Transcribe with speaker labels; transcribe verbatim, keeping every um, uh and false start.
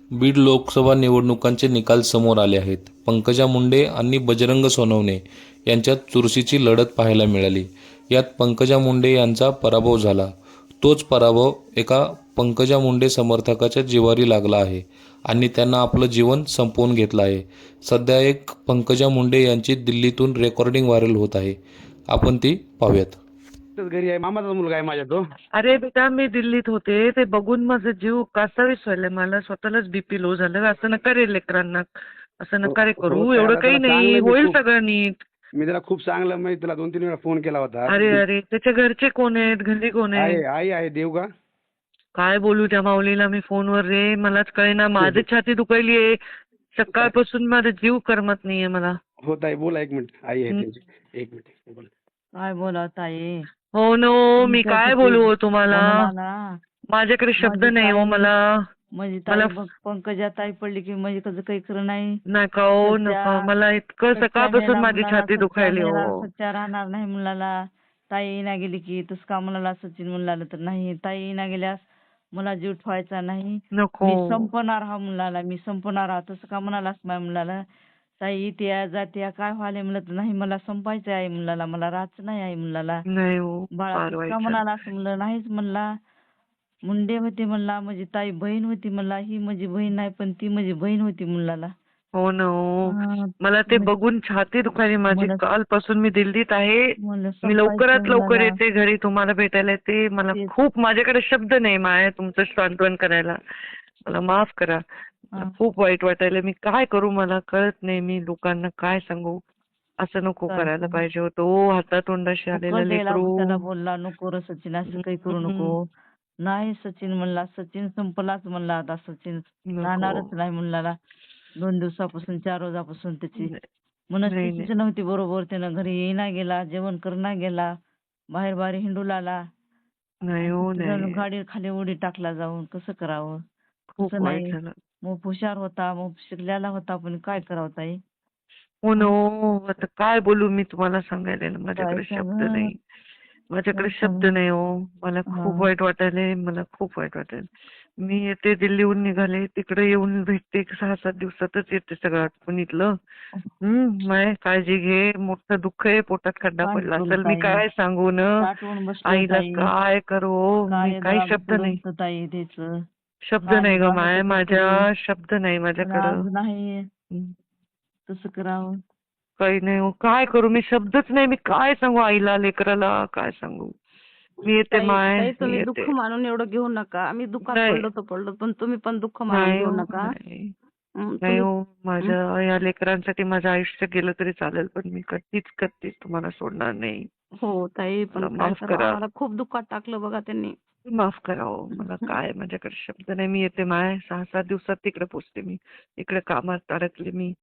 Speaker 1: बीड लोकसभा निवडणुकांचे निकाल समोर आले आहेत. पंकजा मुंडे आणि बजरंग सोनवणे यांच्यात चुरशीची लढत पाहायला मिळाली. यात पंकजा मुंडे यांचा पराभव झाला. तोच पराभव एका पंकजा मुंडे समर्थकाच्या जिव्हारी लागला आहे आणि त्यांना आपलं जीवन संपवून घेतलं आहे. सध्या एक पंकजा मुंडे यांची दिल्लीतून रेकॉर्डिंग व्हायरल होत आहे. आपण ती पाहूयात.
Speaker 2: घरी आहे, मामाचा मुलगा आहे माझ्या तो.
Speaker 3: अरे बेटा, मी दिल्लीत होते, ते बघून माझा जीव कासावीस व्हायला, मला स्वतःलाच बीपी लो झालं. असं नका रे लेकरांना, असं नका रे
Speaker 2: हो,
Speaker 3: करू.
Speaker 2: हो,
Speaker 3: एवढं
Speaker 2: त्याला-
Speaker 3: काही
Speaker 2: त्याला
Speaker 3: नाही,
Speaker 2: चांगलं मी
Speaker 3: होईल
Speaker 2: खूप-
Speaker 3: सगळं नीट.
Speaker 2: मी त्याला खूप चांगलं म्हणजे तुला दोन तीन वेळा फोन केला होता.
Speaker 3: अरे अरे, त्याच्या घरचे कोण आहेत, घरी कोण
Speaker 2: आहे
Speaker 3: आहे?
Speaker 2: आई आहे देवगा.
Speaker 3: काय बोलू त्या माऊलीला मी फोनवर रे, मलाच कळेना. माझी छाती दुखायली आहे सकाळपासून, माझा जीव करमत नाहीये मला.
Speaker 2: हो ताई बोला, एक मिनिट. आई आहे
Speaker 3: हं.
Speaker 2: त्यांची, एक मिनिट बोला.
Speaker 4: काय बोला ताई.
Speaker 3: हो नो, मी
Speaker 4: तुमच्या
Speaker 3: काय
Speaker 4: किती
Speaker 3: बोलू हो तुम्हाला?
Speaker 4: मनमाना.
Speaker 3: माझ्याकडे शब्द
Speaker 4: माझी
Speaker 3: नाही हो
Speaker 4: ताई-
Speaker 3: मला.
Speaker 4: म्हणजे ताई
Speaker 3: मला-
Speaker 4: बघ, पंकजा ताई पडली की म्हणजे कसं काही खरं नाही.
Speaker 3: नका हो
Speaker 4: सध्या-
Speaker 3: नका, मला इतकं
Speaker 4: सच्चा
Speaker 3: सकाळपासून
Speaker 4: मेला
Speaker 3: माझी
Speaker 4: मुलाला,
Speaker 3: छाती
Speaker 4: सच्चा
Speaker 3: दुखायली
Speaker 4: मेला,
Speaker 3: हो.
Speaker 4: सच्चा राहणार नाही मुलाला. ताई ना गेली की तस का मुलाला सचिन मुलाला तर नाही. ताई ना गेल्यास मला जीव ठेवायचा नाही.
Speaker 3: नको.
Speaker 4: मी संपणार हा मुलाला, मी संपणार हा. तसं का म्हणालास माझ्या मुलाला. ताई त्या जात्या काय व्हायला म्हणलं तर नाही, मला संपायचं आहे मुलाला, मला राहायचं नाही आहे मुलाला.
Speaker 3: नाही हो,
Speaker 4: बाळा
Speaker 3: फार
Speaker 4: तू
Speaker 3: वाईट
Speaker 4: का
Speaker 3: झालं.
Speaker 4: म्हणाला असं म्हणलं नाहीच म्हणला. मुंडे होते म्हणला, माझी ताई बहीण होती म्हणला. ही माझी बहीण नाही पण ती माझी बहीण होती मुलाला.
Speaker 3: हो ना हो.
Speaker 4: हा,
Speaker 3: मला ते
Speaker 4: मग-
Speaker 3: बघून छाती दुखायली माझी.
Speaker 4: मला-
Speaker 3: कालपासून मी दिल्लीत आहे.
Speaker 4: मला
Speaker 3: मी लवकरात
Speaker 4: संपायचं
Speaker 3: लवकर
Speaker 4: मुलाला.
Speaker 3: येते घरी तुम्हाला भेटायला येते. मला
Speaker 4: तेच.
Speaker 3: खूप, माझ्याकडे शब्द नाही माया तुमचं सांत्वन करायला. मला माफ करा. मला
Speaker 4: हा.
Speaker 3: खूप वाईट वाटायला. मी काय करू मला कळत नाही. मी लोकांना काय सांगू. असं नको
Speaker 4: काय
Speaker 3: करायला
Speaker 4: सांगू?
Speaker 3: पाहिजे होतं. ओ हातातोंडाशी आलेलं
Speaker 4: कळलेला
Speaker 3: लेकरू.
Speaker 4: त्याला बोलला, नको रे सचिन असं काही करू
Speaker 3: हम्म.
Speaker 4: नको. नाही सचिन म्हणला, सचिन संपलाच म्हणला आता. सचिन
Speaker 3: नको.
Speaker 4: राहणारच नाही म्हणला. दोन दिवसापासून चार रोजापासून त्याची
Speaker 3: नाही,
Speaker 4: मनस्थितीच नव्हती बरोबर. त्यानं घरी येईना गेला, जेवण करणा गेला, बाहेर बाहेर हिंडू लागला.
Speaker 3: नाही हो नाही.
Speaker 4: गाडी खाली उडी टाकला जाऊन. कसं करावं?
Speaker 3: खूप
Speaker 4: तसं
Speaker 3: वाईट
Speaker 4: नाही.
Speaker 3: झालं.
Speaker 4: मग हुशार होता, मग शिकलेला होता, पण काय करावं ताई?
Speaker 3: हो ना हो. आता काय बोलू मी तुम्हाला सांगायला ना, माझ्याकडे
Speaker 4: काय
Speaker 3: शब्द
Speaker 4: सांगू?
Speaker 3: नाही. माझ्याकडे
Speaker 4: काय
Speaker 3: शब्द
Speaker 4: सांगू?
Speaker 3: नाही हो. मला खूप
Speaker 4: हा.
Speaker 3: वाईट वाटायलंय. मला खूप वाईट वाटेल. मी येते दिल्लीहून निघाले, तिकडे येऊन भेटते. सहा सात दिवसातच येते सगळं आटपून इथलं. हम्म. माय काळजी घे. मोठं दुःख आहे, पोटात खड्डा
Speaker 4: काय
Speaker 3: पडला
Speaker 4: करू
Speaker 3: असेल. मी
Speaker 4: ताई?
Speaker 3: काय सांगू न,
Speaker 4: साठवून बसलोय
Speaker 3: आईला
Speaker 4: ताई.
Speaker 3: काय करू. मी
Speaker 4: काय
Speaker 3: काही
Speaker 4: जरा
Speaker 3: शब्द नाही.
Speaker 4: पुरवतं ताई त्याचं.
Speaker 3: शब्द
Speaker 4: काय
Speaker 3: नाही ग
Speaker 4: जरा
Speaker 3: माय,
Speaker 4: कसं
Speaker 3: माझ्या
Speaker 4: करू?
Speaker 3: शब्द नाही
Speaker 4: पण
Speaker 3: माझ्याकडं.
Speaker 4: आज नाही
Speaker 3: हम्म.
Speaker 4: तसं करावं.
Speaker 3: काही नाही हो. काय करू मी, शब्दच नाही. मी काय सांगू आईला, लेकराला काय सांगू. मी येते
Speaker 5: ताई
Speaker 3: माय,
Speaker 5: ताई,
Speaker 3: मी
Speaker 5: तुम्ही
Speaker 3: येते.
Speaker 5: दुःख मानून एवढं घेऊ नका. आम्ही दुःखात
Speaker 3: नाही.
Speaker 5: पडलो तर पडलो, पण तुम्ही पण दुःख मानून
Speaker 3: नाही
Speaker 5: घेऊ
Speaker 3: हो,
Speaker 5: नका.
Speaker 3: नाही.
Speaker 5: हं,
Speaker 3: नाही
Speaker 5: तुम्ही
Speaker 3: हो. माझ्या या लेकरांसाठी माझं आयुष्य गेलं तरी चालेल, पण मी कधीच कधीच तुम्हाला सोडणार नाही.
Speaker 5: हो ताई, पण
Speaker 3: मला
Speaker 5: काय
Speaker 3: माफ
Speaker 5: करावं,
Speaker 3: करा.
Speaker 5: आम्हाला खूप दुःखात टाकलं बघा त्यांनी.
Speaker 3: माफ करा हो. मला काय, माझ्याकडे शब्द नाही. मी येते माय, सहा सात दिवसात तिकडे पोचते मी. इकडे कामात अडकले मी.